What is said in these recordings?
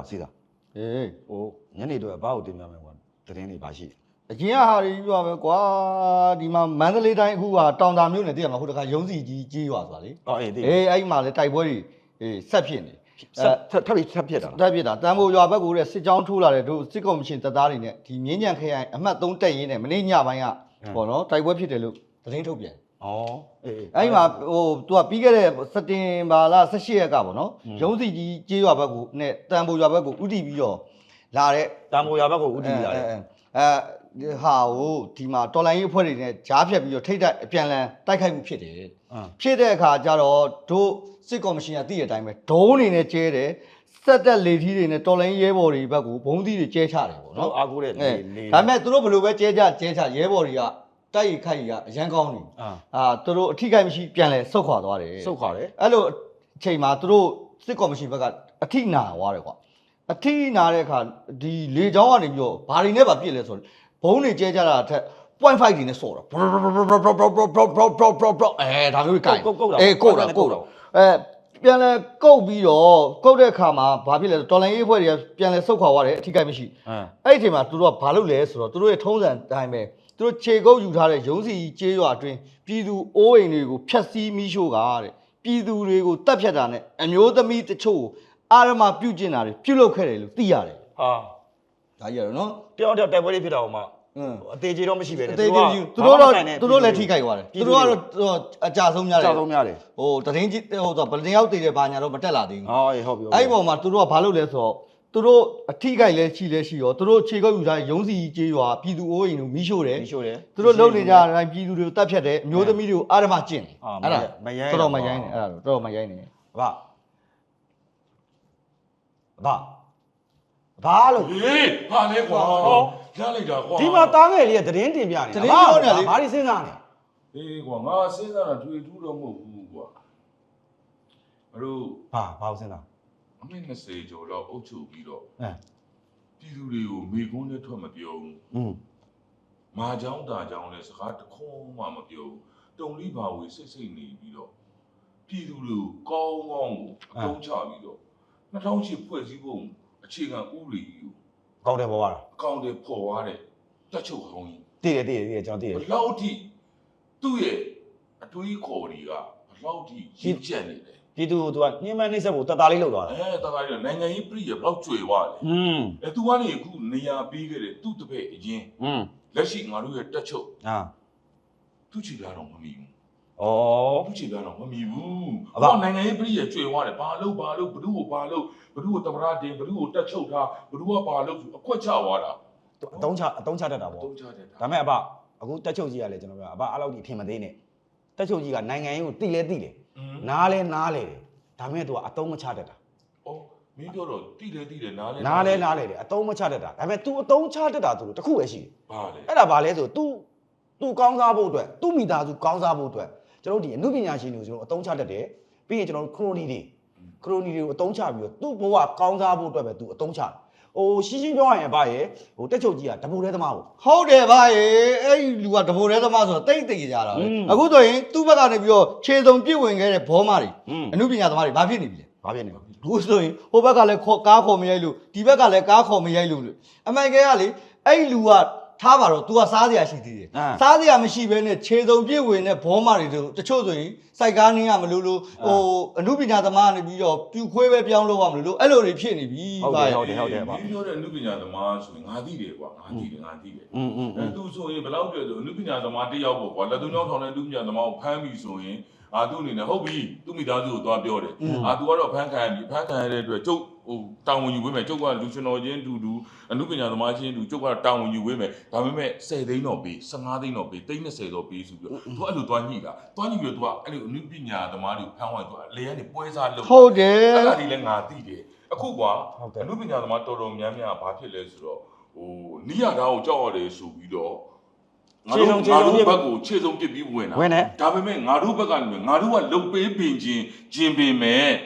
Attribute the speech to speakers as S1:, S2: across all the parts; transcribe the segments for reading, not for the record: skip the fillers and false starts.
S1: စီးတာ
S2: အေး
S1: ဟိုညနေတော့ဘာကိုတင်ပြမယ်ကွာသတင်းတွေပါရှိ
S2: အရင်ကဟာတွေပြောပဲကွာဒီမှာမန္တလေးတိုင်းအခုကတောင်တာမြို့နယ်တည်ရမှာဟိုတခါရုံးစီကြီးကြီးရွာဆိုတာလေ
S1: အေး
S2: အဲ့မှာလေတိုက်ပွဲတွေဆက်ဖြစ်နေ
S1: ထပ်ဖြစ်တာ
S2: တက်ဖြစ်တာတန်ဖိုးရွာဘက်ကိုတဲ့စစ်ကြောင်းထိုးလာတဲ့တို့စစ်ကော်မရှင်တပ်သားတွေနဲ့ဒီမြင်းညံခရိုင်အမှတ်3တက်ရင်းနဲ့မနေ့ညပိုင်းကပေါ့နော်တိုက်ပွဲဖြစ်တယ်လို့သတင်းထုတ်ပြန်အဲ့မှာဟိုသူကပြီးခဲ့တဲ့စက်တင်ဘာလ18ရက်ကပေါ့နော်ရုံးစီကြီးကြေးရွာဘက်ကိုနဲ့တန်ဖိုးရွာဘက်ကိုဥတီပြီးတော့လာတဲ့
S1: တန်ဖိုးရွာဘက်ကိုဥတီလာတယ်
S2: ဟာဟိုဒီမှာတော်လိုင်းရေးအဖွဲ့တွေနဲ့ကြားဖြတ်ပြီးတော့ထိတ်တိုက်အပြန်လန်တိုက်ခိုက်မှုဖြစ်တယ်ဖြစ်တဲ့အခါကျတော့တို့စစ်ကော်မရှင်ကသိတဲ့အတိုင်းပဲဒုံးနေနဲ့ကျဲတယ်စက်တက်လေထီးတွေနဲ့တော်လိုင်းရဲဘော်တွေဘက်ကိုဘုံသီးတွေကျဲချတယ်ပေါ့နော်
S1: အားကိုးတဲ့
S2: ဒါပေမဲ့သူတို့ဘယ်လိုပဲကျဲချရဲဘော်တွေကတိုက်ရိုက်ခိုက်ရအရန်ကောင်းနေသူတို့အထိခိုက်မရှိပြန်လဲဆုတ်ခွာသွားတယ်အဲ့လိုအချိန်မှာသူတို့စစ်ကော်မရှင်ဘက်ကအထိနာသွားတယ်ကွာအထိနာတဲ့အခါဒီလေချောင်းကနေပြီးတော့ဘာတွေနဲ့ပါပြစ်လဲဆိုတော့ဘုံတွေကျဲကြတာအထက် 0.5 တွေနဲ့ဆော့တာဒါမျိုးကိုင်ကုတ်တာပြန်လဲကုတ်ပြီးတော့ကုတ်တဲ့အခါမှာဘာဖြစ်လဲတော်လိုင်းရေးအဖွဲ့တွေကပြန်လဲဆုတ်ခွာသွားတယ်အထိကိမရှိအဲ့ဒီအချိန်မှာသူတို့ကဘာလုပ်လဲဆိုတော့သူတို့ရဲ့ထုံးစံအတိုင်းပဲသူတို့ခြေကုပ်ယူထားတဲ့ရုံးစီကျေးရွာအတွင်းပြည်သူအိုးအိမ်တွေကိုဖျက်ဆီးမိရှို့တာတဲ့ပြည်သူတွေကိုတပ်ဖြတ်တာနဲ့အမျိုးသမီးတချို့အာရမပြုတ်ကျင်တာတွေပြုတ်လုခဲ့တယ်လို့သိရတယ်ဒါကြီးရတော့နော်
S1: တယောက်တိုက်ပွဲလေးဖြစ်တာဟိုမှာအသေးကြီးတော့မရှိပဲ
S2: နဲ့သူတို့လည်းထိခိုက်သွားတယ်သူတို့ကတော့အကြဆုံးများတယ်ဟိုတရင်ကြီးဟိုဆိုဗလင်ရောက်တည်တယ်ဘာညာတော့မတက်လာသေးဘူး
S1: ဟုတ်ပြီ
S2: အဲ့ဒီပုံမှာသူတို့ကဘာလုပ်လဲဆိုတော့သူတို့အထိခိုက်လဲရှိရောသူတို့ခြေကုပ်ယူထားရုံးစီကျေးရွာပြည်သူအိုးအိမ်တို့မီးရှို့တယ်သူတို့လုံနေကြတိုင်းပြည်သူတွေကိုတတ်ဖြတ်တယ်အမျိုးသမီးတွေကိုအာရမကျင့်တယ်အဲ့ဒါတော်မရိုင်းနေအဲ့ဒါတော်မရိုင်းနေဘာလို့
S3: ဟေးဟာလဲကွာရလိုက်တာကွာ
S1: ဒီမှာတားငယ်လေးကသတင်းတင်ပြနေ
S2: ဘာတွေစဉ်းစားနေ
S3: ဟေးကွာငါစဉ်းစားတာတွေ့ထူးတော့မဟုတ်ဘူးကွာမတို့
S1: ဘာစဉ်းစား
S3: အမေ20ကျော်တော့အုပ်ချုပ်ပြီးတော့ပြည်သူတွေကိုမေကုန်းနဲ့ထွက်မပြောဘူးမာချောင်းတာချောင်းနဲ့စကားတခုံးမှမပြောဘူးတုံလိဘာဝေစိတ်နေပြီးတော့ပြည်သူတွေကိုကောင်းကိုအသုံးချပြီးတော့2008ဖွဲ့စည်းပုံအခြေခံဥပဒေကြီးကို
S1: ကောင်းတယ်ပေါ်သွားတာ
S3: ကောင်းတယ်ပေါ်သွားတယ်တက်ချုပ်ဟောင်းကြီး
S1: တည်တယ်ကျွန်တော်တည်တယ်
S3: ဘလောက်ထိသူ့ရဲ့အတွေးခေါ်တွေကဘလောက်ထိရင့်ကျက်နေလဲ
S1: ပြည်သူကသူကညှဉ်းပန်းနှိမ့်ဆက်ဖို့တတ်တာလေးလောက်သွားတာ
S3: တတ်တာလေးနိုင်ငံရေးပြည်ရဘလောက်ကျွေသွားလဲသူကနေအခုနေရာပေးခဲ့တယ်သူ့တပည့်အရင်လက်ရှိငါတို့ရဲ့တက်ချုပ်သူ့ချီလာတော့မမီဘူးသူ့ချီလာတော့မမီဘူးအခုနိုင်ငံရေးပြည်ရကျွေသွားတယ်ဘာလို့ဘ누구ကိုဘာလို့ဘ누구ကိုတမရတင်ဘ누구ကိုတက်ချုပ်ထားဘ누구ကဘာလို့အခွက်ချသွားတာ
S1: အတုံးချတတ်တာပေါ့ဒါပေမဲ့အခုတက်ချုပ်ကြီးကလည်းကျွန်တော်ပြောအဲ့လောက်ကြီးအထင်မသေးနဲ့တက်ချုပ်ကြီးကနိုင်ငံရေးကိုတိလဲနားလဲတယ်ဒါပေမဲ့သူကအတုံးမချတတ်တာ
S3: မင်းပြောတော့တိလဲနားလဲ
S1: တယ်အတုံးမချတတ်တာဒါပေမဲ့ तू အတုံးချတတ်တာဆိုလို့တခုပဲရှိတယ်
S3: ဘာလဲ
S1: အဲ့ဒါဘာလဲဆို तू ကောင်းစားဖို့အတွက် तू မိသားစုကောင်းစားဖို့အတွက်ကျွန်တော်ဒီအမှုပညာရှင်တွေကိုကျွန်တော်အတုံးချတတ်တယ်ပြီးရင်ကျွန်တော်ခရိုနီတွေကိုအတုံးချပြီးတော့ तू ဘဝကောင်းစားဖို့အတွက်ပဲ तू အတုံးချရှင်းပြောရရင်ရဲ့တက်ချုပ်ကြီးကတပိုးတဲသမား
S2: ဟုတ်တယ်ရဲ့အဲ့ဒီလူကတပိုးတဲသမားဆိုတော့တိတ်ကြတာပဲအခုဆိုရင်သူ့ဘက်ကနေပြီးတော့ခြေစုံပြစ်ဝင်ခဲ့တဲ့ဘောမတွေအမှုပညာသမားတွေဘာဖြစ်နေပြီလဲအခုဆိုရင်ဟိုဘက်ကလည်းကားခေါ်မရိုက်လို့ဒီဘက်ကလည်းကားခေါ်မရိုက်လို့အမှန်ကလေအဲ့ဒီလူကထားပါတော့ तू ကစားစရာရှိသေးတယ်စားစရာမရှိဘဲနဲ့ခြေစုံပြည့်ဝင်တဲ့ဘောမတွေတို့တချို့ဆိုရင်စိုက်ကားနင်းရမလို့အမှုပညာသမားကနေပြီးတော့ပြူခွဲပဲပြောင်းလို့ရမလို့အဲ့လိုတွေဖြစ်နေပြီ
S1: ဟုတ်တယ်
S3: ဒီပြောတဲ့အမှုပညာသမားဆိုရင်ငါသိတယ်ကွာငါသိတယ်သူဆိုရင်ဘယ်လောက်တည်းဆိုအမှုပညာသမားတယောက်ပေါ့ကွာလက်သွင်းချောင်းထောင်တဲ့အမှုပညာသမားကိုဖမ်းပြီးဆိုရင်သူ့အနေနဲ့ဟုတ်ပြီသူ့မိသားစုကိုသွားပြောတယ်သူကတော့ဖမ်းခံရတဲ့အတွက်ကျုပ်တောင်ဝင်ယူဝေးမယ်ကျုပ်ကလူရှင်တော်ချင်းတူအမှုပညာသမားချင်းတူကျုပ်ကတောင်ဝင်ယူဝေးမယ်ဒါပေမဲ့10သိန်းတော့ပေး15သိန်းတော့ပေး30တော့ပေးဆိုပြီးသူအဲ့လိုသွားညှိတာသွားညှိပြီးတော့သူကအဲ့လိုအမှုပညာသမားတွေကိုဖမ်းသွားသူလေကနေပွဲစားလုပ်
S2: ဟုတ်တယ်
S3: အဲ့ဒါဒီလည်းငါသိတယ်အခုကွာအမှုပညာသမားတော်များများဘာဖြစ်လဲဆိုတော့နီးရတာကိုကြောက်ရတယ်ဆိုပြီးတော့ငါတို့ဘက်ကိုခြေစုံပစ်ပြီးဝင်တာဒါပေမဲ့ငါတို့ဘက်ကနေငါတို့ကလုတ်ပေးပင်ချင်းပင်မဲ့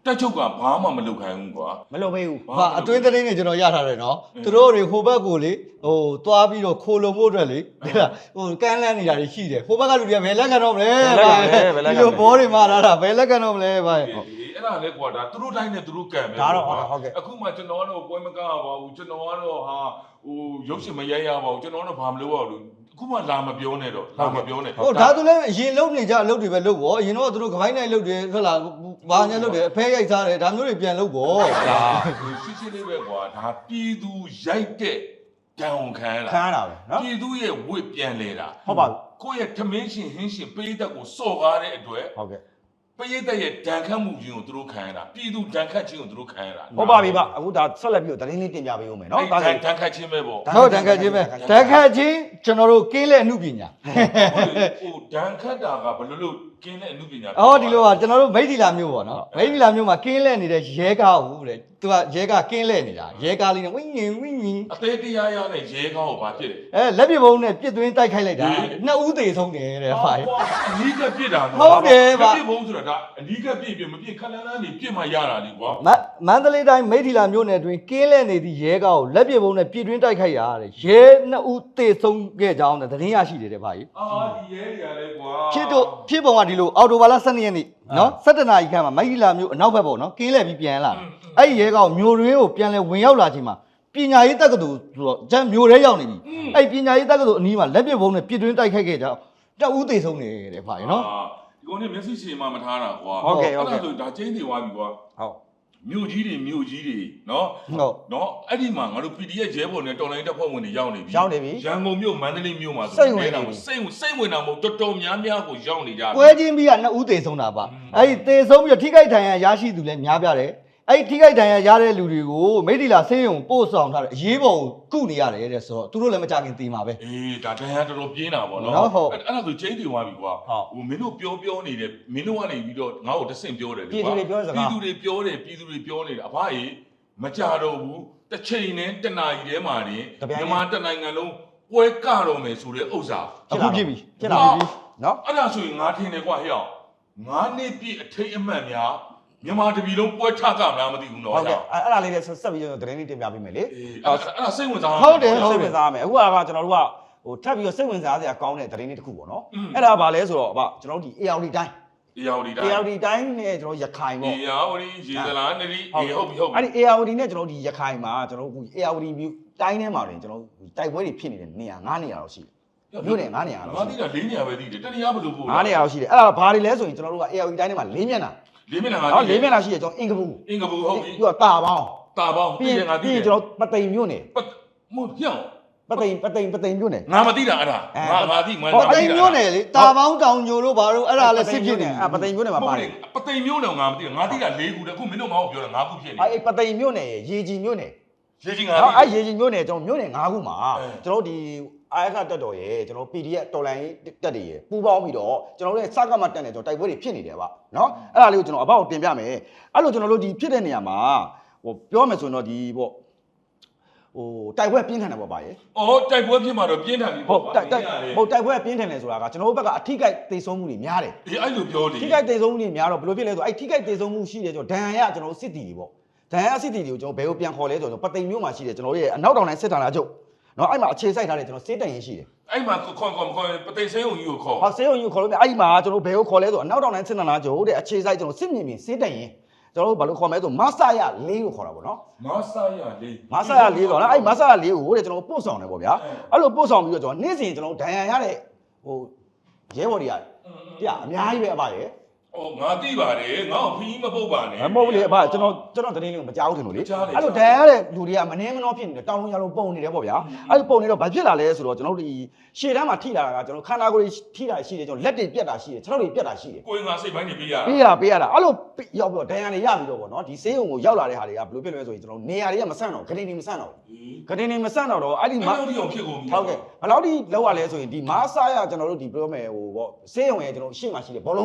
S3: တက်ချုပ်ကဘာမှမလုပ်ခိုင်းဘူးကွာ
S1: မလုပ်ပေးဘူး
S2: ဟာအတွင်းသတင်းတွေကျွန်တော်ရထားတယ်နော်သူတို့တွေဟိုဘက်ကိုလေဟိုသွားပြီးတော့ခိုလုံဖို့အတွက်လေဟိုကန်းလန်းနေတာတွေရှိတယ်ဟိုဘက်ကလူတွေကဘယ်လက်ခံတော့မလဲဒီလိုဘောတွေမှာလာတာဘယ်လက်ခံတော့မလဲဗျာ
S3: အဲ့ဒါလေကွာဒါသူတို့တိုင်းနဲ့သူတို့ကံပဲ
S1: ဒါတော့ဟုတ်ကဲ့
S3: အခုမှကျွန်တော်ကတော့ပွဲမကားပါဘူးကျွန်တော်ကတော့ဟာဟိုရုပ်ရှင်မရိုက်ရပါဘူးကျွန်တော်တော့ဘာမလုပ်ရဘူးအခုမှလာမပြောနဲ့တော့လာမပြောနဲ့
S2: ဟိုဒါသူလည်းအရင်လုံနေကြအလုပ်တွေပဲလုပ်ပေါ့အရင်တော့သူတို့ကပိုင်းနိုင်လုပ်တယ်ဟုတ်လားဘာညာလုပ်တယ်အဖဲရိုက်စားတယ်ဒါမျိုးတွေပြန်လုပ်ပေါ့
S3: ဒါရှင်းရှင်းလေးပဲကွာဒါပြည်သူရိုက်တဲ့တန်ဝန်ခံရ
S1: ခံရ
S3: တာ
S1: တာပဲနော်
S3: ပြည်သူရဲ့ဝစ်ပြန်လဲတာ
S1: ဟုတ်ပါဘူး
S3: ကိုယ့်ရဲ့ထမင်းရှင်ဟင်းရှင်ပေးသက်ကိုစော့ကားတဲ့အတွက်
S1: ဟုတ်ကဲ့
S3: ပေးသက်ရဲ့ဒဏ်ခတ်မှုကြီးကိုသူတို့ခံရတာပြည်သူဒဏ်ခတ်ခြင်းကိုသူတို့ခံရတာ
S1: ဟုတ်ပါပြီဗျအခုဒါဆက်လက်ပြီးတော့သတင်းလေးတင်ပြပေးဦးမယ်နော်
S3: အဲ့
S1: ဒါ
S3: ဒဏ်ခတ်ခြင်းပဲပေါ့
S2: ဟုတ်တန်ခတ်ချင်းပဲတန်ခတ်ချင်းကျွန်တော်တို့ကင်းလက်အမှုပညာ
S3: ဟိုဒဏ်ခတ်တာကဘယ်လိုလုပ်ကင်းတဲ့အမှုပညာ
S2: အော်ဒီလိုပါကျွန်တော်တို့မိတ်ဒီလာမျိုးပေါ့နော်မိတ်ဒီလာမျိုးမှာကင်းလက်နေတဲ့ရဲကားဟုတ်တဲ့သူကရဲကားကင်းလက်နေတာရဲကားလေးနဲ့ဝင်းငင်ဝင်းငင်
S3: အသေးတရားရတဲ့ရဲကောင်းကိုဘာဖြစ်လဲ
S2: လက်ပြဘုံနဲ့ပြစ်သွင်းတိုက်ခိုက်လိုက်တာနှစ်ဦးသေးဆုံးတယ်တဲ့ဟာ
S3: အနီးကပြစ်တာ
S2: ဟုတ်တယ်ဗျ
S3: ပြစ်ဘုံဆိုတာဒါအနီးကပြစ်မပြစ်ခလန်းလန်းနေပြစ်မှရတာလေကွာ
S2: မန္တလေးတိုင်းမိတ်ဒီလာမျိုးနယ်အတွင်းကင်းလက်နေသည့်ရဲကားကိုလက်ပြဘုံနဲ့ပြစ်သွင်းတိုက်ခိုက်ရတဲ့ရဲနှစ်ဦးသေးဆုံးခဲ့ကြောင်းတဲ့သတင်းရရှိတယ်တဲ့ဗျာ
S3: အာဒီရဲတွေကလည်းကွာ
S2: ဖြစ်ပုံကဒီလိုအော်တိုဘာလ12ရက်နေ့နော်17နာရီခန့်မှာမိုက်ဒီလာမျိုးအနောက်ဘက်ပေါ့နော်ကင်းလဲပြီးပြန်လာအဲ့ဒီရဲကောင်မျိုးရင်းကိုပြန်လဲဝင်ရောက်လာချိန်မှာပညာရေးတက္ကသိုလ်ဆိုတော့ကျန်မျိုးရဲရောက်နေပြီအဲ့ပညာရေးတက္ကသိုလ်အနီးမှာလက်ပစ်ဘုံနဲ့ပြစ်တွင်းတိုက်ခိုက်ခဲ့ကြတအူးသေးဆုံးနေတဲ့ဖာရနော်
S3: ဒီကောင်နဲ့မျက်စိရှည်မှမထားတာကွာ
S1: ဟုတ်ကဲ့ဟုတ်ကဲ့
S3: အဲ့ဒါဆိုဒါကျင်းနေသွားပြီကွာ
S1: ဟုတ်
S3: မြို့ကြီးတွေနော်
S2: ဟုတ်
S3: နော်အဲ့ဒီမှာငါတို့ PDF ရဲဘော်နဲ့တော်လိုင်းတပ်ဖွဲ့ဝင်တွေရောက်နေပြီ
S1: ရောက်နေပြီ
S3: ရန်ကုန်မြို့မန္တလေးမြို့မှာ
S1: စိတ်ဝင်နေပြီ
S3: စိတ်ဝင်တာမဟုတ်တော်တော်များများကိုရောက်နေကြပြီ
S2: ပွဲချင်းပြီးကနှစ်ဦးသေဆုံးတာပါအဲ့ဒီသေဆုံးပြီးတော့ထိခိုက်ဒဏ်ရာရရှိသူလည်းများပြတယ်အဲ့ဒီထိခိုက်ဒဏ်ရာရတဲ့လူတွေကိုမိတ်ဒီလာဆေးရုံပို့ဆောင်ထားတယ်အရေးပေါ်ကုနေရတယ်တဲ့ဆိုတော့သူတို့လည်းမကြခင်သေမှာပဲ
S3: အေးဒါတန်ရတော်တော်ပြင်းတာပေါ့နော်
S2: နော်ဟုတ်
S3: အဲ့ဒါဆိုကျင်းနေသွားပြီကွာ
S1: ဟုတ်
S3: ဟိုမင်းတို့ပြောနေတယ်မင်းတို့ကနေပြီးတော့ငါ့ကိုတဆင့်ပြောတယ်လေ
S1: ပြည်သူတွေပြောစကား
S3: ပြည်သူတွေပြောတယ်ပြည်သူတွေပြောနေတယ်အဖကြီးမကြတော့ဘူးတစ်ချိန်နဲ့တစ်နာရီထဲမှာနေ
S1: တပြိုင်နက်
S3: မြန်မာတစ်နိုင်ငံလုံးပွဲကတော့မယ်ဆိုတဲ့ဥစ္စာ
S2: အခုဖြစ်ပြီ
S1: ဖြစ်လာပြီနော်
S3: အဲ့ဒါဆိုရင်ငါထင်တယ်ကွာဟဲ့အောင်ငါနှစ်ပြည့်အထိတ်အမှတ်များမြန်မာတပြည်လုံးပွဲထကမလားမသိဘူးနော်
S1: ဟုတ်ကဲ့
S3: ဟဲ့
S1: အဲ့ဒါလေးလည်းဆက်ပြီးတော့သတင်းလေးတင်ပြပေးမယ်လေ
S3: အေးအဲ့ဒါစိတ်ဝင်စား
S2: ဟုတ်တယ်
S1: စိတ်ဝင်စားရမယ်အခုကကျွန်တော်တို့ကဟိုထပ်ပြီးတော့စိတ်ဝင်စားစရာကောင်းတဲ့သတင်းလေးတစ်ခုပေါ့နော်အဲ့ဒါဘာလဲဆိုတော့အဘကျွန်တော်တို့ဒီ ARD တိုင်း
S3: အေယာဝတီတိုင်း
S1: ARD တိုင်းနဲ့ကျွန်တော်ရခိုင်ပေါ့
S3: အေယာဝတီရေသလားနရီအေးဟုတ်ပြီဟုတ်ပြီ
S1: အဲ့ဒီ ARD နဲ့ကျွန်တော်ဒီရခိုင်မှာကျွန်တော်တို့ ARD view တိုင်းထဲမှာတွင်ကျွန်တော်တိုက်ပွဲတွေဖြစ်နေတဲ့နေရာ9နေရာတော့ရှိတယ်မြို့နယ်9နေရာတော့
S3: ငါသိတာ၄နေရာပဲသိတယ်တနေရာဘယ်လိုပို့
S1: 9နေရာတော့ရှိတယ်အဲ့ဒါဘာတွေလဲဆိုရင်ကျွန်တော်တို့က ARD တိုင်းထဲမှာ၄မျက်နှာ
S3: ၄မျက်နှာငါ
S1: ဟော
S3: သိ
S1: ၄မျက်နှာရှိတယ်ကျွန်တော်အင်္ဂပူ
S3: အင်္ဂပူဟုတ်ပြီ
S1: ပြီးတော့တာပေါင်း
S3: တာပေါင်း
S1: ပြီးရင်
S3: ငါသိ
S1: ပြီး
S3: တ
S1: ရင်
S3: ယ်
S1: ကျွန်တော်ပသိမ်မြို့နယ်
S3: မဟုတ်ပြောင်း
S1: ပသိမ်မြို့နယ်
S3: ငါမသိတာအဲ့ဒါငါသိမှန်း
S2: ဟောတိမ်မျိုးနယ်လေတာပေါင်းတောင်ညိုတို့ဘာလို့အဲ့ဒါလည်းစစ်ဖြစ်နေ
S1: အဲ့ပသိမ်မြို့နယ်မှာပါတယ်
S3: ပသိမ်မျိုးတော့ငါမသိငါသိတာ၄ခုတည်းအခုမင်းတို့ငါ့ကိုပြောတာ၅ခုဖြစ်နေ
S1: အဲ့ပသိမ်မြို့နယ်ရေကြီးမြို့နယ်
S3: ရေကြီးငါ
S1: ဟော
S3: သိ
S1: အဲ့ရေကြီးမြို့နယ်ကျွန်တော်မြို့နယ်9ခုမှာကျွန်တော်ဒီအားခတက်တော်ရဲ့ကျွန်တော် PDF တော်လိုင်းတက်တွေရဲ့ပူးပေါင်းပြီးတော့ကျွန်တော်တို့ရဲ့စကားမတက်နေကျွန်တော်တိုက်ပွဲတွေဖြစ်နေတယ်ဗျနော်အဲ့ဒါလေးကိုကျွန်တော်အဘောက်တင်ပြမယ်အဲ့လိုကျွန်တော်တို့ဒီဖြစ်တဲ့နေရာမှာဟိုပြောမယ်ဆိုရင်တော့ဒီပေါ့ဟိုတိုက်ပွဲပြင်းထန်တယ်ပေါ့ဗျာရေ
S3: အော်တိုက်ပွဲဖြစ်မှာတော့ပြင်းထန်ပြီ
S1: ဟုတ်တိုက်ပွဲပြင်းထန်တယ်ဆိုတာကကျွန်တော်တို့ဘက်ကအထိကိုက်သေဆုံးမှုတွေများတယ်
S3: ဒီအဲ့လိုပြောလေ
S1: ထိခိုက်သေဆုံးမှုတွေများတော့ဘယ်လိုဖြစ်လဲဆိုအဲ့ထိခိုက်သေဆုံးမှုရှိတယ်ကျွန်တော်ဒဏ်ရာရကျွန်တော်တို့စစ်တီတွေပေါ့ဒဏ်ရာစစ်တီတွေကိုကျွန်တော်ဘယ်ကိုပြန်ခေါ်လဲဆိုတော့ပသိမ်မြို့မှာရှိတယ်ကျွန်တော်တို့ရဲ့အနောက်တောင်တိုင်းစစ်ဌာနချုပ်နော်အဲ့မှာအခြေစိုက်ထားတယ်ကျွန်တော်စစ်တရင်ရှိတယ်
S3: အဲ့မှာခေါ်ပသိမ်စဲုံကြီးကိုခေါ်
S1: ဟောစေုံယူခေါ်လို့မြအဲ့မှာကျွန်တော်ဘယ်ကိုခေါ်လဲဆိုအနောက်တောင်တိုင်းစစ်ဌာနချုပ်တဲ့အခြေစိုက်ကျွန်တော်စစ်မြင်မြင်စစ်တရင်ကျွန်တော်တို့ဘာလို့ခေါ်မလဲဆိုမဆာရ၄ကိုခေါ်တာပေါ့နော်
S3: မဆာရလေး
S1: မဆာရ၄ဆိုတော့အဲ့မဆာရ၄ကိုတဲ့ကျွန်တော်ပို့ဆောင်တယ်ပေါ့ဗျာအဲ့လိုပို့ဆောင်ပြီးတော့ကျွန်တော်နေ့စဉ်ကျွန်တော်ဒဏ်ရာရတဲ့ဟိုရဲဘော်တွေကပြအများကြီးပဲအပါရဲ့
S3: အော်ငါသိပါတယ်ငါ့ကိုဖီးမပုတ်ပါနဲ့
S1: မဟုတ်ဘူးလေအဖကျွန်တော်သတင်းလေးကိုမကြောက်ဘူးထင်လို့လေအဲ့လိုဒဏ်ရာရတဲ့လူတွေကမနှင်းမနှောဖြစ်နေတယ်တောင်းလုံးရလုံးပုံနေတယ်ပေါ့ဗျာအဲ့လိုပုံနေတော့ဘာဖြစ်လာလဲဆိုတော့ကျွန်တော်တို့ဒီရှေ့တန်းမှာထိလာတာကကျွန်တော်ခန္ဓာကိုယ်ထိတာရှိတယ်ကျွန်တော်လက်တွေပြတ်တာရှိတယ်ခြေထောက်တွေပြတ်တာရှိတယ်
S3: ကိုယ်ငါစိတ်ပိုင်းနေပေးရ
S1: ပေးရတာအဲ့လိုရောက်ပြီးတော့ဒဏ်ရာတွေရပြီးတော့ပေါ့နော်ဒီဆေးရုံကိုရောက်လာတဲ့ဟာတွေကဘယ်လိုဖြစ်လဲဆိုရင်ကျွန်တော်နေရာတွေကမဆန့်တော့ဂတိနေမဆန့်တော့ဂတိနေမဆန့်တော့အဲ့ဒီ
S3: မ
S1: မှာ
S3: အဲ့လိုဖြစ်ကုန်ပြီ
S1: ဟုတ်ကဲ့ဘယ်လောက်ထိလောက်ရလဲဆိုရင်ဒီမားစားရကျွန်တော်တို့ဒီပြောမယ်ဟိုပေါ့ဆေးရုံရဲ့ကျွန်တော်ရှေ့မှာရှိတယ်ဘောလုံးကင်း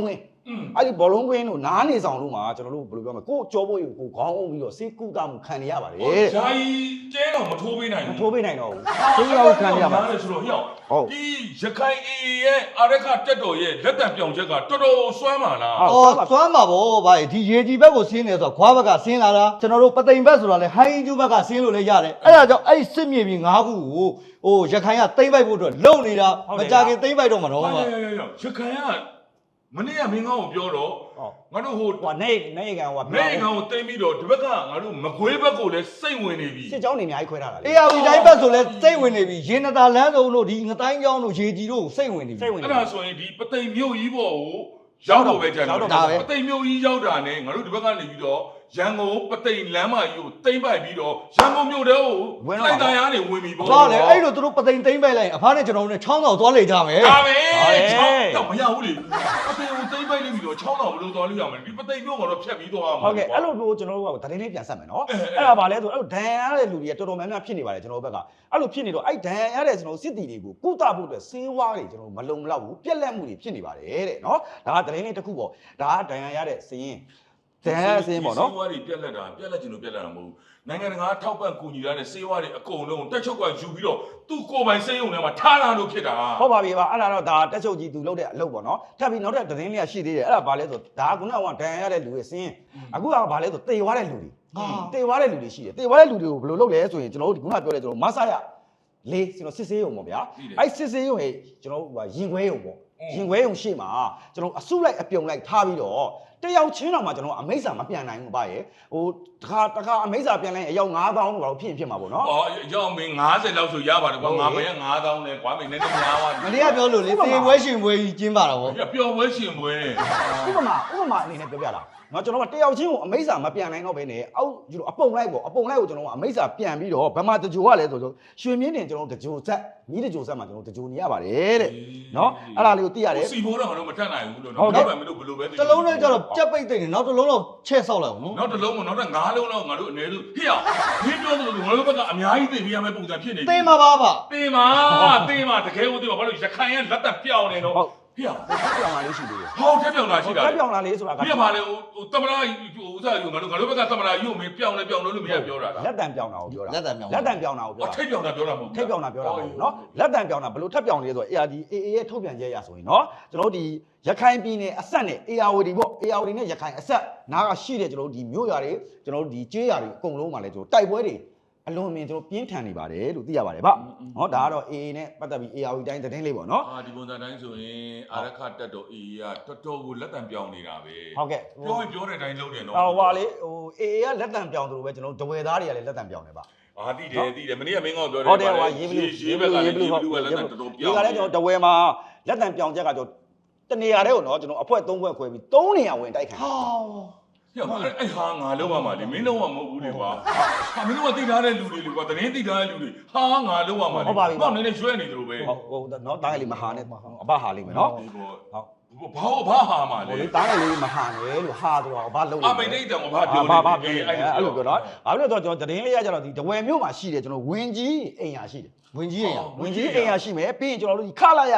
S1: အဲ့ဒီဘောလုံးကွင်းတို့နားနေဆောင်တို့မှာကျွန်တော်တို့ဘယ်လိုပြောမလဲကိုကြောဖို့ကိုခေါင်းအုပ်ပြီးတော့စေးကုတာမှုခံနေရပါတယ်တဲ့
S3: ဂျာကြီးကျဲတော့မထိုးပေးနိုင်
S1: မ
S3: ဘူး
S1: ထိုးပေးနိုင်တော့ဘူးစေးရောက်ခံနေရပါ
S3: တယ်ဆိုတော့ဟျောက်ဒီရခိုင်အေရဲ့အာရခတက်တော်ရဲ့လက်တံပြောင်ချက်ကတော်တော်စွမ်းပါလား
S2: အော်သွမ်းပါဗောဗျာဒီရေကြီးဘက်ကိုဆင်းနေဆိုတော့ခွားဘက်ကဆင်းလာတာကျွန်တော်တို့ပသိမ်ဘက်ဆိုတာလေဟိုင်းကျူးဘက်ကဆင်းလို့လည်းရတယ်အဲ့ဒါကြောင့်အဲ့စစ်မြေပြင်၅ခုကိုဟိုရခိုင်ကသိမ့်ပိုက်ဖို့အတွက်လုံနေတာမကြခင်သိမ့်ပိုက်တော့မှာတော့ဗျာ
S3: ရခိုင်ကမနေ့ကမင်းကောင်းကိုပြောတော့ငါတို့ဟို
S1: ဟိုနေကန်ဟို
S3: နေကောင်ကိုတိမ့်ပြီးတော့ဒီဘက်ကငါတို့မကွေးဘက်ကိုလည်းစိတ်ဝင်နေပြီ
S1: စစ်ကြောင်းနေအများကြီးခွဲထားတာလေ
S2: အေးအတိုင်းဘက်ဆိုလဲစိတ်ဝင်နေပြီရေနတာလမ်းစုံတို့ဒီငတိုင်းကျောင်းတို့ရေကြီးတို့စိတ်ဝင်နေပြီ
S1: စိတ်ဝင်နေ
S3: အဲ့ဒါဆိုရင်ဒီပသိမ်မြို့ကြီးပေါ်ကိုရောက်တော့ပဲကြာတော့ပသိမ်မြို့ကြီးရောက်တာနဲ့ငါတို့ဒီဘက်ကနေပြီးတော့ရန်ကုန်ပသိမ်လမ်းမကြီးကိုတိမ့်ပိုက်ပြီးတော့ရန်ကုန်မြို့တဲကိုလိုက်တိုင်းအားနေဝင်ပြီပေါ့
S2: တော့လေအဲ့လိုသူတို့ပသိမ်သိမ့်ပိုက်လိုက်အဖားနဲ့ကျွန်တော်တို့နဲ့ချောင်းတော်သွားလေကြမယ်
S3: ဒါပဲတော့မရဘူးလေပသိမ်ကိုတိမ့်ပိုက်နေပြီးတော့ချောင်းတော်ဘလို့သွားလို့ရမယ်ဒီပသိမ်မြို့ကတော့ဖြတ်ပြီးသွားမှာ
S1: ဟုတ်ကဲ့အဲ့လိုမျိုးကျွန်တော်တို့ကသတင်းလေးပြန်ဆက်မယ်နော်အဲ့ဒါဗာလဲဆိုအဲ့လိုဒဏ်ရာရတဲ့လူတွေကတော်တော်များများဖြစ်နေပါတယ်ကျွန်တော်တို့ဘက်ကအဲ့လိုဖြစ်နေတော့အဲ့ဒဏ်ရာရတဲ့ကျွန်တော်စစ်တီတွေကိုကုသဖို့အတွက်ဆေးဝါးတွေကျွန်တော်မလုံမလောက်ဘူးပြက်လက်မှုတွေဖြစ်နေပါတယ်တဲ့နော်ဒါကသတင်းလေးတစ်ခုပေါ့ဒါကဒဏ်ရာရတဲ့စည်ရင်ဒဏ်ရာစည်ရင်ပေါ့နော်
S3: စေဝါးတွေပြက်လက်တာပြက်လက်ချင်လို့ပြက်လက်တာမဟုတ်ဘူးနိုင်ငံတကာထောက်ပံ့ကူညီရတဲ့စေဝါးတွေအကုန်လုံးတက်ချုပ်ကယူပြီးတော့သူ့ကိုယ်ပိုင်စေယုံထဲမှာထားလာလို့ဖြစ်တာ
S1: ဟုတ်ပါပြီပါအဲ့ဒါတော့ဒါတက်ချုပ်ကြီးသူလုပ်တဲ့အလုပ်ပေါ့နော်ထပ်ပြီးနောက်ထပ်သတင်းလေးကရှိသေးတယ်အဲ့ဒါဗာလဲဆိုဒါကခုနကဒဏ်ရာရတဲ့လူတွေစည်ရင်အခုကဗာလဲဆိုတေသွားတဲ့လူတွေတေသွားတဲ့လူတွေရှိတယ်တေသွားတဲ့လူတွေကိုဘယ်လိုလုပ်လဲဆိုရင်ကျွန်တော်တို့ခုနပြောတဲ့ကျွန်တော်မဆရလေးကျွန်တော်စစ်ဆေးရုံပေါ့ဗျာအဲ့စစ်ဆေးရုံဟဲ့ကျွန်တော်ဟိုရင်ခွဲရုံပေါ့ရင်ခွဲရုံရှေ့မှာကျွန်တော်အစုလိုက်အပြုံလိုက်ထားပြီးတော့တယောက်ချင်းတော့မှကျွန်တော်အမိတ်စာမပြန်နိုင်ဘူးဗျာရေဟိုတခါအမိတ်စာပြန်လိုက်အယောက်9000လို့တော့ဖြစ်ဖြစ်မှာပေါ့နော်
S3: ။အော်ရောက်မင်း90လောက်ဆိုရပါတယ်ကွာငါမင်း9000လဲကွာမင်းနည်းနည်းများသွားပြီ
S2: မနေ့ကပြောလို့လေတေပွဲရှင်ပွဲကြီးကျင်းပါတော့ဗော
S3: ။ပျော်ပွဲရှင်ပွဲ
S1: ဥပမာအနေနဲ့ပြောပြတာနော်ကျွန်တော်ကတယောက်ချင်းကိုအမိတ်စာမပြန်နိုင်တော့ဘဲနဲ့အောက်ကျွန်တော်အပုံလိုက်ပေါ့အပုံလိုက်ကိုကျွန်တော်ကအမိတ်စာပြန်ပြီးတော့ဗမာတကြိုကလည်းဆိုရွှေမြင်းတင်ကျွန်တော်တကြိုဆက်မီးတကြိုဆက်မှာကျွန်တော်တကြိုနေရပါတယ်တဲ့နော်အဲ့ဒါလေးကိုသိရတယ်
S3: ။စီဘိုးတော့ငါတို့မတတ်နိုင်ဘူးလို့နော်။နောက်ပဲမလို့ဘလို့ပဲ
S2: တလုံးနဲ့ကျတော့ကြက်ပိတ်သိနေနောက်တစ်လုံးတော့ချက်ဆောက်လိုက်အောင်နော်
S3: နောက်တစ်လုံးမနောက်တော့9လုံးလောက်ငါတို့အနေနဲ့ဟေ့အောင်မင်းပြောသလိုငါတို့ဘက်ကအများကြီးသိပြရမယ့်ပုံစံဖြစ်နေပြီ
S2: သိမှာပါဗျ
S3: ။သိမှာတကယ်ကိုသိမှာဘာလို့ရခိုင်ရဲ့လက်သက်ပြောင်းနေတော့ဟေ့အောင်
S1: ထပ်ပြောင်းလာလေးရှိသေးတယ်
S3: ဟောက်ထက်ပြောင်းလာရှိတာ
S1: ထပ်ပြောင်းလာလေးဆိုတာက
S3: ပြပါလေဟိုတမနာဟိုဥစားယူငါတို့ဘက်ကတမနာယူမင်းပြောင်းလဲပြောင်းလို့မရပြောတာလား
S1: လက်တံပြောင်းတာကိုပြောတာ
S2: လက်တံမြောင်
S1: လက်တံပြောင်းတာကိုပြောတာ
S3: ထိတ်ပြောင်းတာပြောတာမဟုတ်
S1: ထိပ်ပြောင်းတာပြောတာမဟုတ်ဘူးเนาะလက်တံပြောင်းတာဘယ်လိုထပ်ပြောင်းလဲဆိုတော့ ARD AA ရဲ့ထုတ်ပြန်ချက်ရဆိုရင်เนาะကျွန်တော်တို့ဒီရခိုင်ပြည်နယ်အဆက်နဲ့ ARD ပေါ့ ARD နဲ့ရခိုင်အဆက်နားကရှိတဲ့ကျွန်တော်တို့ဒီမြို့ရွာတွေကျွန်တော်တို့ဒီကျေးရွာတွေအကုန်လုံးမှာလဲကျွန်တော်တိုက်ပွဲတွေအလွန်အမင်းကျွန်တော်ပြင်းထန်နေပါတယ်လို့သိရပါတယ်ဗျ။ဟောဒါကတော့ AA နဲ့ပတ်သက်ပြီး ARD တိုင်းသတင်းလေးပေါ့เนาะ
S3: အာဒီပုံစံတိုင်းဆိုရင်အာရခတက်တော် AA ကတော်တော်ကိုလက်တံပြောင်းနေတာပဲ
S1: ဟုတ်ကဲ့
S3: ပြောတဲ့အတိုင်းလုပ်တယ်နော်
S1: ဟိုဟာလေဟို AA ကလက်တံပြောင်းသလိုပဲကျွန်တော်တို့ဒဝယ်သားတွေကလည်းလက်တံပြောင်းနေပါ
S3: အာသိတယ်မနေ့ကမင်းကောပြောတယ်
S1: ဟုတ်တယ်ဟိုရေးဘလူး
S3: ရေးဘက်ကလည်းရေးဘလူးကလက်တံတော်တော်ပြောင်း
S1: ဒီကလည်းကျွန်တော်ဒဝယ်မှာလက်တံပြောင်းချက်ကကျွန်တော်တနေရာတဲ့ကိုเนาะကျွန်တော်အဖွဲ3ဖွဲခွဲပြီး3နေရာဝင်တိုက်ခံ
S2: ဟာ
S3: ညအဲ့ဟာငါလုံးဝမှာလေမင်းလုံးဝမဟုတ်ဘူးလေကွာဟာမင်းတို့ကသိထားတဲ့လူတွေလေကွာတရင်သိထားတဲ့လူတွေဟာငါလုံးဝမှာလေတော့နည်းနည်းရွှဲနေတယ်လို့ပဲ
S1: ဟုတ်เนาะတားငယ်လေးမဟာနဲ့အဘဟာလေးမယ်เนาะ
S3: ဟုတ်ဘာဟာမှာ
S1: ဟို
S3: လေ
S1: လေတားငယ်လေးမဟာနဲ့လို့ဟာဆိုတော့အဘလုံး
S3: အမိတ်တဲ့ဘာပြော
S1: ဘာပြောနေအဲ့လိုပြောတော့ဘာလို့လဲဆိုတော့ကျွန်တော်သတင်းလေးရကြတော့ဒီဒဝယ်မြို့မှာရှိတယ်ကျွန်တော်ဝင်းကြီးအိမ်ယာရှိတယ်
S2: ဝင်ကြီးရရ
S1: ဝင်းကြီးအိမ်ယာရှိမယ်ပြီးရင်ကျွန်တော်တို့ဒီခလာရ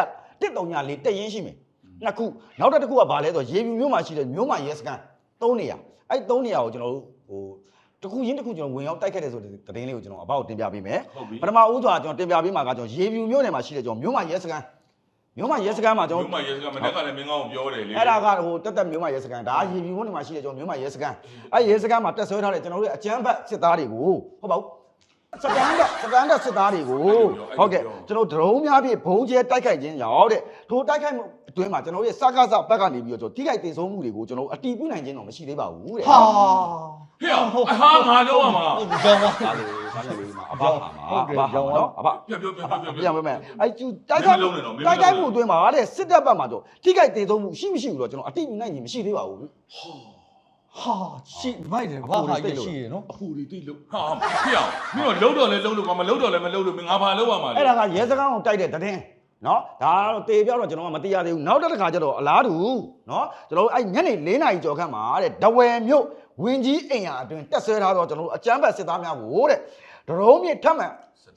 S1: 134တက်ရင်ရှိမယ်နှစ်ခုနောက်တစ်ခုကဘာလဲဆိုတော့ရေပြူမြို့မှာရှိတယ်မြို့မှာရဲစကန်3နေရာအဲ့3နေရာကိုကျွန်တော်တို့ဟိုတခုချင်းတခုကျွန်တော်ဝင်ရောက်တိုက်ခဲ့တယ်ဆိုတဲ့သတင်းလေးကိုကျွန်တော်အဘကိုတင်ပြပေးမယ်ပထမဦးစွာကျွန်တော်တင်ပြပေးမှာကကျွန်တော်ရေပြူမြို့နယ်မှာရှိတယ်ကျွန်တော်မြို့မှာရဲစကန်မြို့မှာရဲစခန်းမှာကျွန်တော်
S3: မြို့မှာရဲစခန်းမနေ့ကလည်းမင်းကောင်းပြောတယ်လေ
S1: အဲ့ဒါကဟိုတက်မြို့မှာရဲစခန်းဒါရေပြူမြို့နယ်မှာရှိတယ်ကျွန်တော်မြို့မှာရဲစခန်းအဲ့ရဲစခန်းမှာတက်ဆွဲထားတယ်ကျွန်တော်တို့အကြမ်းဖက်စစ်သားတွေကိုဟုတ်ပါဘူးစကန်တက်စစ်သားတွေကိုဟုတ်ကဲ့ကျွန်တော်ဒရုန်းများဖြင့်ဘုံကျဲတိုက်ခိုက်ခြင်းရောက်တဲ့ထိုတိုက်ခိုက်မှုအတွင်းမှာကျွန်တော်ရဲ့စကားစဘက်ကနေပြီးတော့ကျွန်တော်ထိခိုက်တင်ဆုံးမှုတွေကိုကျွန်တော်အတီးပြနိုင်ခြင်းတော့မရှိသေးပါဘူးတဲ့
S2: ဟာ
S3: ဟေ့ဟာငါလုံးဝမှာ
S2: ကြောင်းပါ
S1: ဒါလေးဒါလေးမှာအဘဟာမှာအဘဟာနော်အဘ
S3: ပြော
S1: ပြန်မယ်အဲ့ကျူတိုက်ခိုက်မှုအတွင်းမှာတဲ့စစ်တပ်ဘက်မှာတော့ထိခိုက်တင်ဆုံးမှုရှိမရှိဘူးတော့ကျွန်တော်အတီးပြနိုင်ခြင်းမရှိသေးပါဘူး
S2: ဟာရှိမိုက်တယ်ဘာဟာကြီးရှိရနော်
S3: အဖူတွေတိတ်လို့ဟာဟေ့မင်းတို့လုံးတော့လဲလုံးလို့ကွာမလုံးတော့လဲမလုံးလို့မင်းငါဘာလုံးရမှာလဲ
S1: အဲ့ဒါကရဲစခန်းကိုတိုက်တဲ့တဲ့င်းနော်ဒါကတော့တေပြောက်တော့ကျွန်တော်ကမသိရသေးဘူးနောက်တစ်ခါကျတော့အလားတူနော်ကျွန်တော်အဲ့ညနေ4နာရီကျော်ခန့်မှာတဲ့ဒဝယ်မြို့ဝင်းကြီးအိမ်ယာအတွင်းတက်ဆွဲထားတော့ကျွန်တော်အကြမ်းဖက်စစ်သားများကိုတဲ့ဒရုန်းမြင့်ထပ်မှန်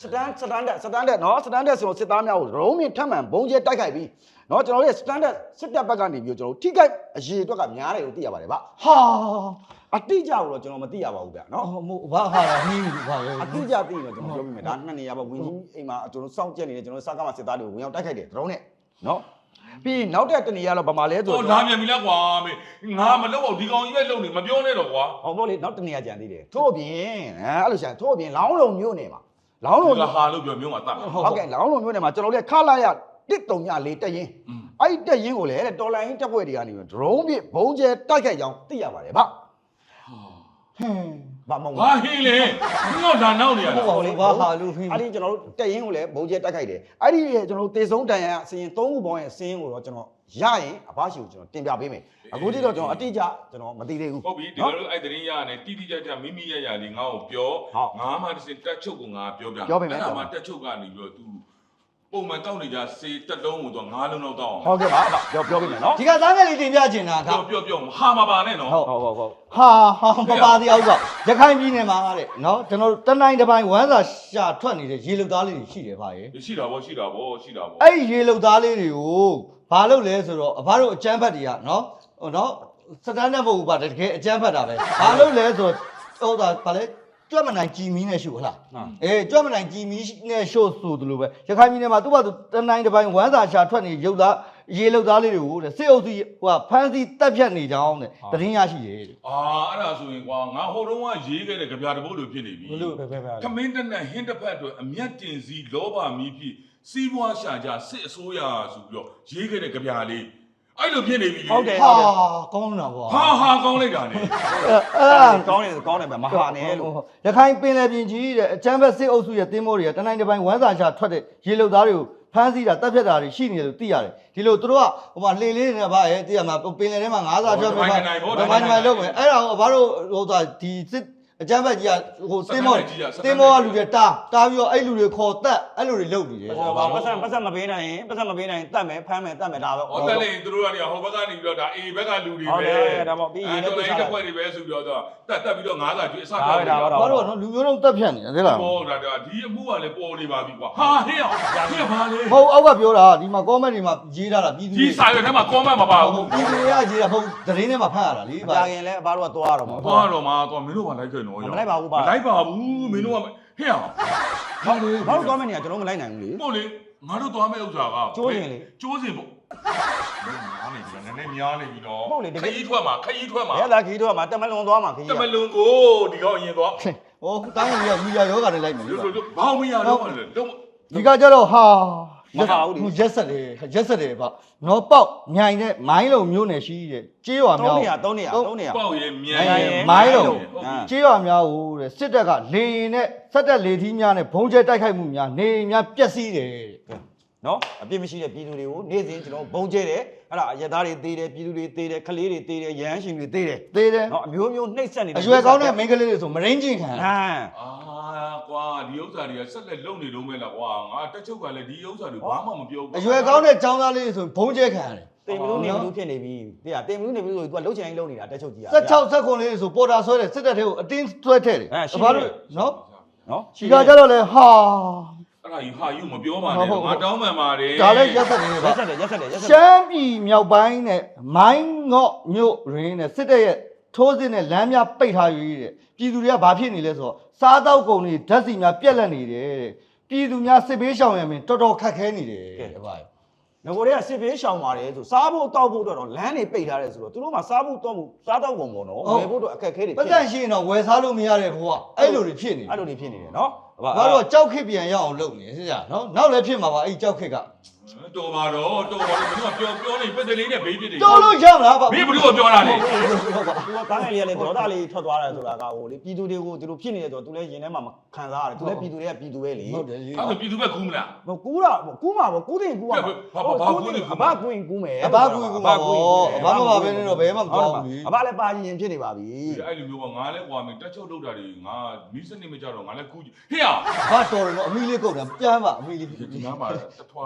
S1: စတန်တက်နော်စတန်တက်ဆိုတော့စစ်သားများကိုရုံးမြင့်ထပ်မှန်ဘုံကျဲတိုက်ခိုက်ပြီးနော်ကျွန်တော်တို့စတန်တက်စစ်တပ်ဘက်ကနေပြီးကျွန်တော်တို့ထိခိုက်အရေးအတွက်ကများတယ်လို့သိရပါတယ်ဗျ
S2: ဟာ
S1: အတိအကျကိုတော့ကျွန်တော်မသိရပါဘူးဗျနော်
S2: ဟိုဘာဟာလာနှီးဘူးဘာပဲ
S1: အတိအကျသိရင်တော့ကျွန်တော်ပြောပြမယ်ဒါနှစ်နေရာပေါ့ဝင်းကြီးအိမ်မှာကျွန်တော်စောင့်ကြက်နေတယ်ကျွန်တော်စကားမှာစစ်သားတွေကိုဝင်ရောက်တိုက်ခိုက်တယ်ဒရုန်းနဲ့နော်ပြီးနောက်တဲ့တနေရာတော့ဗမာလဲဆို
S3: တော့လာမြန်ပြီလားကွာမေငါမလုပ်အောင်ဒီကောင်ကြီးပဲလုပ်နေမပြောနဲ့တော့ကွာ
S1: ဟောပေါ့လေနောက်တနေရာကြံသေးတယ်ထို့အပြင်အဲ့လိုရှာထို့အပြင်လောင်းလုံမြို့နယ်မှာလောင်းလုံ
S3: ကဟာလို့ပြောမျိုးမှာတတ်
S1: ဟုတ်ကဲ့လောင်းလုံမြို့နယ်မှာကျွန်တော်တို့ခလာရ134တက်ရင်အဲ့ဒီတက်ရင်ကိုလေတော်လိုင်းတက်ဖွဲ့တွေကနေဒရုန်းပြဘုံကျဲတိုက်ခိုက်ကြောင်းသိရပါတယ်ဗျ
S2: ဟင်း
S1: ဘာမဟုတ်
S3: ဟာဟင်းလေငေါ့ဒါနောက်နေရ
S2: ဟုတ်
S3: လား
S2: ပါဘူးဘာဟာလို့ဟင်း
S1: အဲ့ဒီကျွန်တော်တို့တက်ရင်ကိုလည်းဘုံကျဲတိုက်ခိုက်တယ်အဲ့ဒီကျွန်တော်တို့တေဆုံးတန်ရအစရင်3ခုပေါင်းရဲ့အစရင်ကိုတော့ကျွန်တော်ရရင်အဘရှိကိုကျွန်တော်တင်ပြပေးမယ်အခုတိတော့ကျွန်တော်အတိအကျကျွန်တော်မသိသေးဘူး
S3: ဟုတ်ပြီဒီလိုလိုအဲ့တရင်ရနေတိတိကျကျမိမိရရလေးငါ့ကိုပြောငါမှတစ်စင်တက်ချုပ်ကိုငါပြောပြအဲ့ဒါမှတက်ချုပ်ကနေပြီးတော့ तू ပုံမှန်တောက်နေကြစေတက်လုံးကိုတော့9လုံးလောက်တောက်အောင်
S1: ဟုတ်ကဲ့ပါပြောပေးမယ်နော်
S2: ဒီကသားငယ်လေးတင်ပြချင်တာက
S3: ပြောဟာမပါနဲ့နော်
S1: ဟုတ်
S2: ဟာမပါတရားဥစ္စာရခိုင်ပြည်နယ်မှာတဲ့နော်ကျွန်တော်တို့တနိုင်တစ်ပိုင်းဝမ်းစာရှာထွက်နေတဲ့ရေလုသားလေးတွေရှိတယ်ဗျာရေ
S3: ရှိတာဗောရှိတာဗော
S2: အဲ့ဒီရေလုသားလေးတွေကိုဘာလုပ်လဲဆိုတော့အဘတို့အကျန်းဖတ်တွေကနော်ဟိုနော်စတန်ဒတ်ဘုတ်ပါတကယ်အကျန်းဖတ်တာပဲဘာလုပ်လဲဆိုတော့ဟိုဒါဗာလဲကြွက်မနိုင်ကြည်မီနဲ့ရှို့ဟလားအေးကြွက်မနိုင်ကြည်မီနဲ့ရှို့ဆိုသလိုပဲရခိုင်ပြည်နယ်မှာသူ့ဘာသူတနိုင်တစ်ပိုင်းဝမ်းစာရှာထွက်နေရုပ်သားရေလုသားလေးတွေကိုတဲ့စစ်အုပ်စုဟိုဖမ်းဆီးတက်ဖြတ်နေကြအောင်တဲ့တရင်ရရှိတယ်တဲ့
S3: အာအဲ့ဒါဆိုရင်ကွာငါဟိုတုန်းကရေးခဲ့တဲ့ကြပြတပုတ်လိုဖြစ်နေပြီ
S2: ဘလို့
S3: ခမင်းတနဲ့ဟင်းတစ်ဖက်အတွက်အမျက်တင်စီလောဘမီးဖြစ်စီးပွားရှာကြစစ်အစိုးရဆိုပြီးတော့ရေးခဲ့တဲ့ကြပြလေးအဲ့လိုဖြစ်နေပြီ
S1: ဟုတ်တယ်
S2: ဟာကောင်းတာပေါ့
S3: ဟာကောင်းလိုက်တာနေ
S2: အဲ့
S1: ကောင်းတယ်ပဲမဟာနဲ့လို့
S2: ရခိုင်ပင်လယ်ပြင်ကြီးတဲ့အချမ်းဘက်စစ်အုပ်စုရဲ့တင်းမိုးတွေကတနိုင်တစ်ပိုင်းဝမ်းစာချထွက်တဲ့ရေလုသားတွေကိုဖမ်းဆီးတာတပ်ဖြတ်တာတွေရှိနေတယ်လို့သိရတယ်ဒီလိုသူတို့ကဟိုမှာလှေလေးတွေနဲ့ဗာရဲ့သိရမှာပင်လယ်ထဲမှာငါးစာထွက်ပြီးဗမာညီမလုပ်မယ်အဲ့ဒါကိုဘာလို့ဟိုဒီစစ်အချမ်းဘက်ကြီးကဟိုတင်းမိုးကလူတွေတားပြီးတော့အဲ့လူတွေခေါ်တက်အဲ့လူတွေလုပ်နေတယ်
S1: ပတ်စံမပေးနိုင်ရင်တတ်မယ်ဖမ်းမယ်တတ်မယ်ဒါပဲ
S3: ဟောတက်လေသူတို့ကနေဟိုဘက်ကနေပြီးတော့ဒါအေဘက်ကလူတွေ
S1: ဟုတ်
S3: ပဲ
S1: တယ်ဒါပေါ့ပြီးရင်လည်း
S3: တော်လိုင်းတစ်ခွက်တွေပဲဆိုပြီးတော့တက်ပြီးတော့ငါးစာကျွေးအစပြောနေတာ
S2: ဘာလို့ကနော်လူမျိုးလုံးတက်ဖြတ်နေတယ်သိလား
S3: ပေါ်ဒါဒီအမှုကလည်းပေါ်နေပါပြီကွာဟာဟင်းအောင်ဟင်းပါလေ
S2: ဟုတ်အောက်ကပြောတာဒီမှာ comment တွေမှာရေးထားတာပြည်သူ
S3: ဒီစာရွက်ထဲမှာ comment မပါဘူး
S2: ပြည်သူတွေကရေးတာဟုတ်သတင်းထဲမှာဖတ်ရတာလေ
S1: ကြာရင်လည်းဘာလို့ကသွားရတော့မှာ
S3: သွားတော့မှာသွားမင်းတို့ကလိုက်ခဲ့နော်
S1: မလိုက်ပါဘူးပါ
S3: မလိုက်ပါဘူးမင်းတို့ကဟင်းအောင်ဟာလေ
S1: ဘာလို့သွားမယ်နေရကျွန်တော်မလိုက်နိုင်ဘူးလေ
S3: ပို့လေငါတို့သွားမယ့်ဥစ္စာက
S1: ကျိုးစင်လေ
S3: ကျိုးစင်ပေါ့များနေပြီနည်းနည်းများနေပြီတော့
S1: ဟုတ်လေတကယ်
S3: ခကြီးထွက်မှာ
S1: ရဲလာခီးတော့မှာတက်မလုံးသွားမှာခီး
S3: တမလွန်ကိုဒီကောင်အရင်သွား
S2: ဟိုတိုင်းကမီယာယောဂနဲ့လိုက်မယ်လေ
S3: ဘောင်းမရတော့လေတော့
S2: ဒီကကြတော့ဟာရက်ဆက်တယ်ဗျနော်ပေါက်မြိုင်နဲ့မိုင်းလုံးမျိုးနယ်ရှိတဲ့ကြေးရွာများ
S1: 3နေရ
S3: ပေါ့ရေမြန်
S2: မိုင်းလုံးကြေးရွာများဟိုတဲ့စစ်တပ်ကလေရင်နဲ့စက်တက်လေထီးများနဲ့ဘုံကျဲတိုက်ခိုက်မှုများနေများပျက်စီးတယ်တဲ့
S1: နော်အပြစ်မရှိတဲ့ပြည်သူတွေကိုနေ့စဉ်ကျွန်တော်ဘုံကျဲတယ်အဲ့ဒါအရက်သားတွေသေးတယ်ပြည်သူတွေသေးတယ်ခလေးတွေသေးတယ်ရဟန်းရှင်တွေသေးတယ်
S2: သေးတယ်
S1: နော်အမျိုးမျိုးနှိပ်စက်နေတယ်
S2: အရွယ်ကောင်းတဲ့မိန်းကလေးတွေဆိုမရင်းချင်းခံ
S1: ဟမ်
S3: အာကွာဒီဥစ္စာတွေကဆက်လက်လုံနေလုံးမဲ့လားကွာငါတက်ချုပ်ကလည်းဒီဥစ္စာတွေဘာမှမပြောဘူး
S2: အရွယ်ကောင်းတဲ့ចောင်းသားလေးတွေဆိုဘုံကျဲခံရတယ်
S1: တင်မလို့နေမလို့ဖြစ်နေပြီတဲ့တင်မလို့နေမလို့ဆို तू ကလှုပ်ချင်ရင်လှုပ်နေတာတက်ချုပ်ကြီးอ่ะ
S2: 16 19လေးဆိုပေါ်တာဆွဲတယ်စစ်တပ်ထဲကိုအတင်းဆွဲထည့်တယ်ဘာလို့နော်
S1: နော်
S2: ဒီကကြတော့လေဟာ
S3: အဲ့ဒါယူဟာယူမပြောပါနဲ့ငါတောင်းပန်ပါတယ်
S2: ဒါလည်းရက်ဆက်နေပါ
S1: ရက်ဆက်တယ်
S2: ရှမ်းပြည်မြောက်ပိုင်းနဲ့မိုင်းငေါ့မြို့ရင်းနဲ့စစ်တပ်ရဲ့ထိုးစစ်နဲ့လမ်းများပိတ်ထားရည်တဲ့ပြည်သူတွေကဘာဖြစ်နေလဲဆိုတော့စားတောက်ကုန်တွေဓာတ်ဆီများပြက်လက်နေတယ်တဲ့ပြည်သူများစစ်ဘေးရှောင်ရမယ်တော်တော်ခက်ခဲနေတယ်တဲ့ဗျာ
S1: ငကိုတွေကစစ်ဘေးရှောင်ပါတယ်ဆိုစားဖို့တောက်ဖို့တော့လမ်းတွေပိတ်ထားတယ်ဆိုတော့သူတို့မှစားဖို့တောက်ဖို့စားတောက်ကုန်ပေါ့နော်ဝယ်ဖို့တော့အခက်ခဲတွေ
S2: ပတ်သက်ရှိရင်တော့ဝယ်စားလို့မရတဲ့ဘဝအဲ့လိုတွေဖြစ်နေ
S1: အဲ့လိုတွေဖြစ်နေတယ်နော်
S2: ဘာလို့ကြောက်ခစ်ပြန်ရအောင်လုပ်နေစကြနော်နောက်လည်းဖြစ်မှာပါအဲ့ကြောက်ခစ်က
S3: တော်ပါတော့မင်းကပြောနေပက်စလေးနဲ့ဘေးပြစ်တယ်
S2: တော်လို့ရမလားဗျ
S3: မင်းဘယ်လိုပြောတာလဲ
S1: သူကကားငယ်လေးကလည်းဒေါသလေးထွက်သွားတယ်ဆိုတာကဟိုလေပြည်သူတွေကိုသူတို့ဖြစ်နေတယ်ဆိုတော့သူလည်းရင်ထဲမှာခံစားရတယ်သူလည်းပြည်သူတွေကပြည်သူပဲလေ
S2: ဟုတ်တယ်
S3: အဲ့ဒါပြည်သူပဲကူးမလား
S1: ဟိုကူးတာကူးမှာပေါ့ကူးတင်ကူးမှာအဘကူးရင်ကူးမယ်
S2: အဘကူကူမှာပေါ့အဘမပါဘဲနဲ့တော့ဘယ်မှမသွားဘူးလေ
S1: အဘလည်းပါရင်ဖြစ်နေပါပြီ
S3: အဲ့လိုမျိုးကငါလည်းကွာမင်းတက်ချုပ်လောက်တာတွေငါမီးစနစ်မကြတော့ငါလည်းကူးဟေ့အောင်
S2: ဘာတော်တယ်နော်အမီလေးကုန်တယ်ပြန်ပါအမီလေး
S3: ဒီနားမှာတထွာလောက်ဟ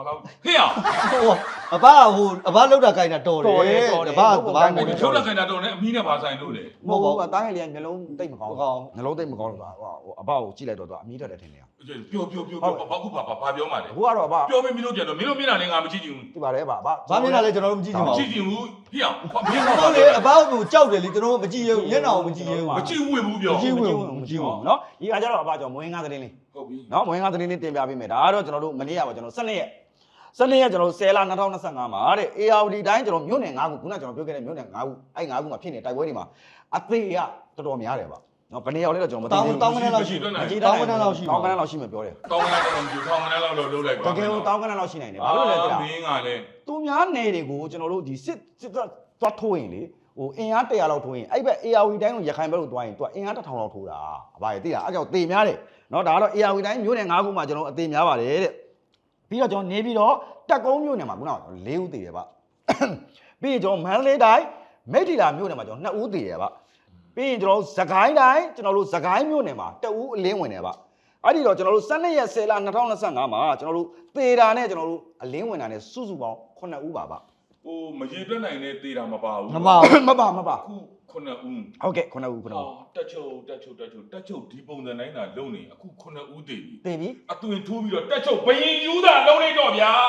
S3: ဖေးအောင်
S2: ဟိုအဘအဘလောက်တာခိုင်းတာတော်တယ်တပား
S3: ချုပ်လက်ခိုင်တာတော့လည်းအမီးနဲ့ပါဆိုင်လို့လေ
S1: မဟုတ်ဘူးတားငယ်လေးကမျိုးလုံးတိတ်မကောင်းဘူးမျိုးလုံးတိတ်မကောင်းလို့ပါဟိုအဘကိုကြည့်လိုက်တော့သူအမီးတက်တယ်ထင်တယ်
S3: ပြောဘာခုဘာပြောမှလဲ
S1: အခုကတော့အဘ
S3: ပြောပြီးမင်းတို့ပြန်တော့မင်းတို့မျက်နှာနဲ့ငါမကြည့်ချင်ဘူး
S1: ဒီပါတယ်အဘ
S2: ဘာမျက်နှာလဲကျွန်တော်တို့မကြည့်ချင်ပါ
S3: ကြ
S2: ဘူး
S3: ည့်ချင်ဘူးဖေးအောင်
S2: မင်းတို့လေအဘကိုကြောက်တယ်လေကျွန်တော်တို့မကြည့်ရဘူးမျက်နှာကိုမကြည့်ရဘူး
S3: မကြည့်ဝင်ဘူးပြော
S1: မကြည့်ဘူးနော်ဒီကကြတော့အဘကြောင့်မွေးငါသတင်းလေး
S3: ဟုတ်ပြီ
S1: နော်မွေးငါသတင်းလေးတင်ပြပေးမယ်ဒါကတော့ကျွန်တော်တို့မနေ့ကပါကျွန်တော်12ရက်ကျွန်တော်10လ2025မှာတဲ့ ARD တိုင်းကျွန်တော်မြို့နယ်9ခုခုနကကျွန်တော်ပြောခဲ့တဲ့မြို့နယ်9ခုအဲ့9ခုမှာဖြစ်နေတိုက်ပွဲတွေမှာအသေးရတော်တော်များတယ်ပါနော်ဘယ်နေရာလဲတော့ကျွန်တော်မသိဘူးတောင်းကနန်းလောက်ရှိမယ်ပြောတယ်
S3: တောင်းကနန်းတော့မကြည့်တောင်းကနန်းလောက်တော့လုံးလိုက်ပါ
S1: တကယ်လို့တောင်းကနန်းလောက်ရှိနိုင်တယ်ဘာလို့လဲသိလား
S3: မင်းကလည်း
S1: သူများနယ်တွေကိုကျွန်တော်တို့ဒီစစ်သွားထိုးရင်လေဟိုအင်အား100လောက်ထိုးရင်အဲ့ဘက် ARD တိုင်းကိုရခိုင်ဘက်ကိုတွားရင်သူကအင်အား1000လောက်ထိုးတာအဘရေသိလားအဲ့ကြောင့်တေများတယ်နော်ဒါကတော့ ARD တိုင်းမြို့နယ်9ခုမှာကျွန်တော်အသေးများပါတယ်တဲ့ပြီးတော့ကျွန်တော်နေပြီးတော့တက်ကုန်းမြို့နယ်မှာခုနက4ဦးသေးတယ်ဗျပြီးရင်ကျွန်တော်မန္တလေးတိုင်းမိတ္ထီလာမြို့နယ်မှာကျွန်တော်2ဦးသေးတယ်ဗျပြီးရင်ကျွန်တော်စကိုင်းတိုင်းကျွန်တော်တို့စကိုင်းမြို့နယ်မှာ2ဦးအလင်းဝင်တယ်ဗျအဲ့ဒီတော့ကျွန်တော်တို့12ရက်10လ2025မှာကျွန်တော်တို့သေတာနဲ့ကျွန်တော်တို့အလင်းဝင်တာနဲ့စုစုပေါင်း9ဦးပါဗျ
S3: ဟိုမရေတွက်နိုင်တဲ့သေးတာမပါဘူး
S2: မပါဘူး
S1: မပါ
S3: ခု9ဦး
S1: ဟုတ်ကဲ့9ဦး9ဦး
S3: တက်ချုပ်ဒီပုံစံတိုင်းတာလုံးနေအခု9ဦးတည်ပြီ
S1: တေပြီ
S3: အသွင်ထိုးပြီးတော့တက်ချုပ်ဘယင်ယူတာလုံးလိုက်တော့ဗျာ